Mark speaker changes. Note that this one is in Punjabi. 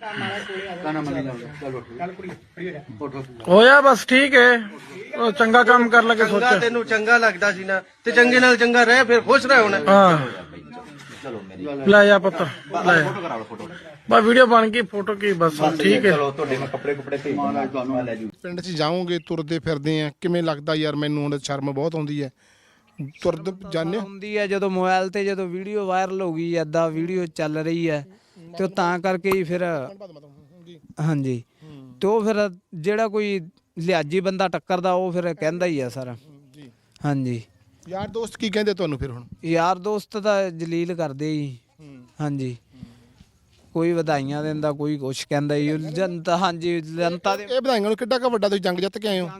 Speaker 1: ਹੋਇਆ ਬਸ ਠੀਕ ਹੈ। ਉਹ ਚੰਗਾ ਕੰਮ ਕਰ ਲਗੇ ਸੋਚਿਆ
Speaker 2: ਤੈਨੂੰ ਚੰਗਾ ਲੱਗਦਾ ਸੀ ਨਾ ਤੇ ਚੰਗੇ ਨਾਲ ਚੰਗਾ ਰਹਿ ਫਿਰ ਖੁਸ਼ ਰਹਿ ਹੁਣ।
Speaker 1: ਹਾਂ ਲੈ ਜਾ ਪੁੱਤ ਲੈ ਬਸ ਵੀਡੀਓ ਬਣ ਗਈ ਫੋਟੋ ਕੀ ਬਸ ਠੀਕ ਹੈ।
Speaker 3: ਪਿੰਡ 'ਚ ਜਾਓਗੇ ਤੁਰਦੇ ਫਿਰਦੇ ਆ ਕਿਵੇਂ ਲੱਗਦਾ ਯਾਰ? ਮੈਨੂੰ ਹੁਣ ਸ਼ਰਮ ਬਹੁਤ ਆਉਂਦੀ ਹੈ। ਤੁਰਦ ਜਾਂਦੇ
Speaker 4: ਹੁੰਦੀ ਹੈ ਜਦੋਂ ਮੋਬਾਈਲ ਤੇ ਜਦੋਂ ਵੀਡੀਓ ਵਾਇਰਲ ਹੋ ਗਈ ਏਦਾਂ ਵੀਡੀਓ ਚੱਲ ਰਹੀ ਹੈ ਤੇ ਤਾਂ ਕਰਕੇ ਹੀ ਫਿਰ ਹਾਂਜੀ ਤੇ ਉਹ ਫਿਰ ਜਿਹੜਾ ਕੋਈ ਲਿਹਾਜੀ ਬੰਦਾ ਟੱਕਰਦਾ ਉਹ ਫਿਰ ਕਹਿੰਦਾ ਹੀ ਆ ਸਰ। ਹਾਂਜੀ
Speaker 3: ਯਾਰ ਦੋਸਤ ਕੀ ਕਹਿੰਦੇ ਤੁਹਾਨੂੰ ਫਿਰ? ਹੁਣ
Speaker 4: ਯਾਰ ਦੋਸਤ ਤਾਂ ਜਲੀਲ ਕਰਦੇ ਹੀ। ਹਾਂਜੀ ਕੋਈ ਵਧਾਈਆਂ ਦਿੰਦਾ ਕੋਈ ਕੁਛ ਕਹਿੰਦਾ ਜੀ ਜਨਤਾ। ਹਾਂਜੀ ਜਨਤਾ ਦੇ
Speaker 3: ਇਹ ਵਧਾਈਆਂ ਨੂੰ ਕਿੱਡਾ ਕੁ ਵੱਡਾ ਤੁਸੀਂ ਜੰਗ ਜਿੱਤ ਕੇ ਆਏ ਹੋ।